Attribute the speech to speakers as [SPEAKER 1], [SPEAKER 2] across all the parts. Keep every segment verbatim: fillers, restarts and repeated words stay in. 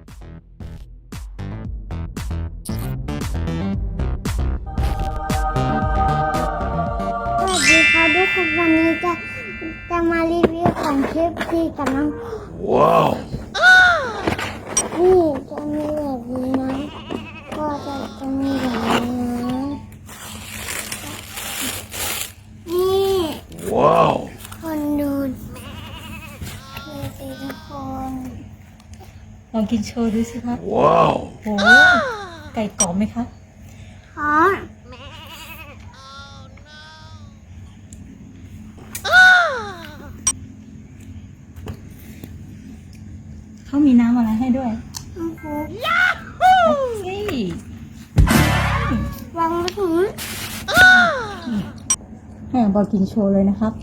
[SPEAKER 1] สวัสดีครับทุกคนวันนี้จะจะมารีวิวของเคฟซีกับน้องว้าวนี่จะมีแบบนี้นะก็จะจะมีแบบนี้นะนี่ว้าวคนดูเคฟซีทุกคน
[SPEAKER 2] ลองกินโชว์ดูสิครับว้าวโหไก่กรอบไหมครับ
[SPEAKER 1] อ๋อ
[SPEAKER 2] เขามีน้ำอะไรให้ด้วย
[SPEAKER 1] โอ้โห
[SPEAKER 2] นี่
[SPEAKER 1] วางไว้ถึง
[SPEAKER 2] ให้บอกกินโชว์เลยนะครับ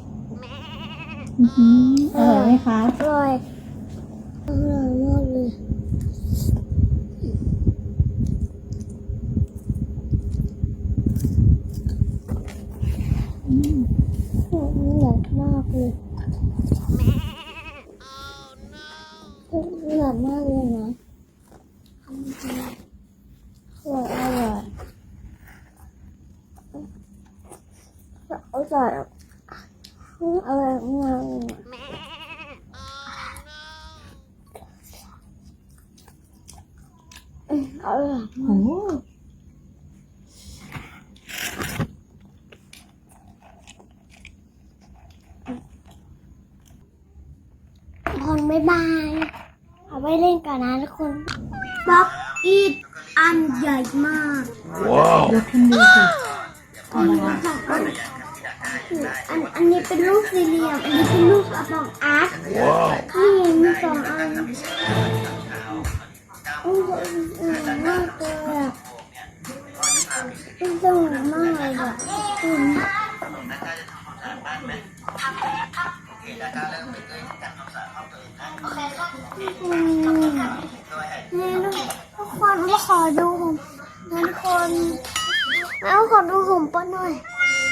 [SPEAKER 2] อร่อยไหมครับ
[SPEAKER 1] อร่อยอร่อยมากเลยอืมอร่อยมากเลยอร่อยมากเลยนะอร่อยอร่อยอร่อยอร่อยมากเลยอร่อย
[SPEAKER 2] โอ้
[SPEAKER 1] คนบ๊ายบายเอาไว้เล่นกันนะทุกคนบล็อกอีทอันใหญ่มาก
[SPEAKER 2] ว้าวยกขึ้นดูสิ
[SPEAKER 1] อันนี้สองอันอันอันนี้เป็นลูกสี่เหลี่ยมอันนี้เป็นลูกกระป๋องอาร์ตนี่มีสองอันอุ้ยสวยมากเลยอ่ะสวยมากเลยอ่ะคุณนี่ทุกคนมาขอดูผมงั้นคนแล้วขอดูผมป้อนหน่อย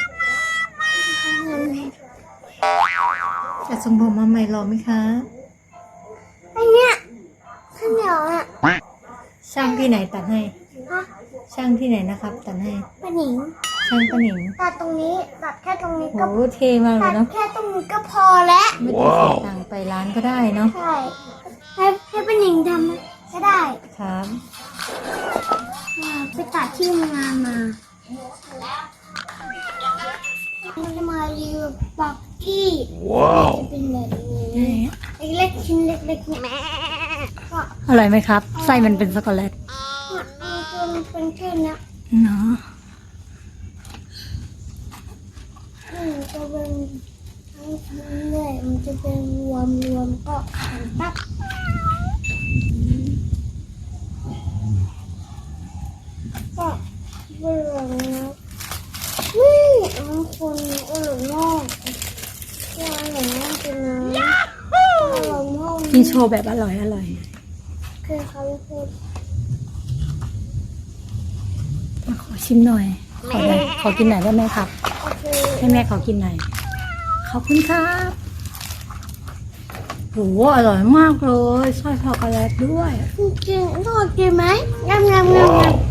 [SPEAKER 2] จะส่งผมมาใหม่รอไหมคะ
[SPEAKER 1] ไอเนี้ยข้าวเหนียวอ่ะ
[SPEAKER 2] ช่างที่ไหนตัดให้
[SPEAKER 1] ฮะ
[SPEAKER 2] ช่างที่ไหนนะครับตัดให้
[SPEAKER 1] ป้าหนิง
[SPEAKER 2] ช่างป้าหนิง
[SPEAKER 1] ตัดตรงนี้ตัดแค่ตรงนี้ก็
[SPEAKER 2] โอ้เท่มากเล
[SPEAKER 1] ตั
[SPEAKER 2] ย
[SPEAKER 1] ด
[SPEAKER 2] เนาะ
[SPEAKER 1] แค่ตรงนี้ก็พอแล้ว
[SPEAKER 2] ไม่ต้องเสียตังค์ไปร้านก็ได้เนาะ
[SPEAKER 1] ใช่ให้ให้ป้าหนิงทำก็ได้
[SPEAKER 2] ครับ
[SPEAKER 1] ไปตัดที่งานมาจะมารีวิวบักกี้ว้าวจะเป็นแบบนี้เล็กๆชิ้นเล็กๆเนี่ยก็
[SPEAKER 2] อร่อยไหมครับไส้มันเป็นช็อกโกแลต
[SPEAKER 1] มันเป็นแค่นี้
[SPEAKER 2] เนาะ
[SPEAKER 1] อืมจะเป็นทั้งทั้งเลยมันจะเป็นรวมรวมก็หันปั๊บก็เบื่อแล้วนี่อันคนอร่อยมากอร่อยมากจริงนะอร่อยมาก
[SPEAKER 2] กินโชว์แบบอร่อยอร่อย
[SPEAKER 1] คือเขาพูด
[SPEAKER 2] มาขอชิมหน่อยขอหน่อยขอกินหน่อยได้ไหมครับให้แม่ขอกินหน่อยขอบคุณครับโหอร่อยมากเลยไส้ช็อกโกแลตด้วย
[SPEAKER 1] กินทอดกินไหมยำยำยำยำ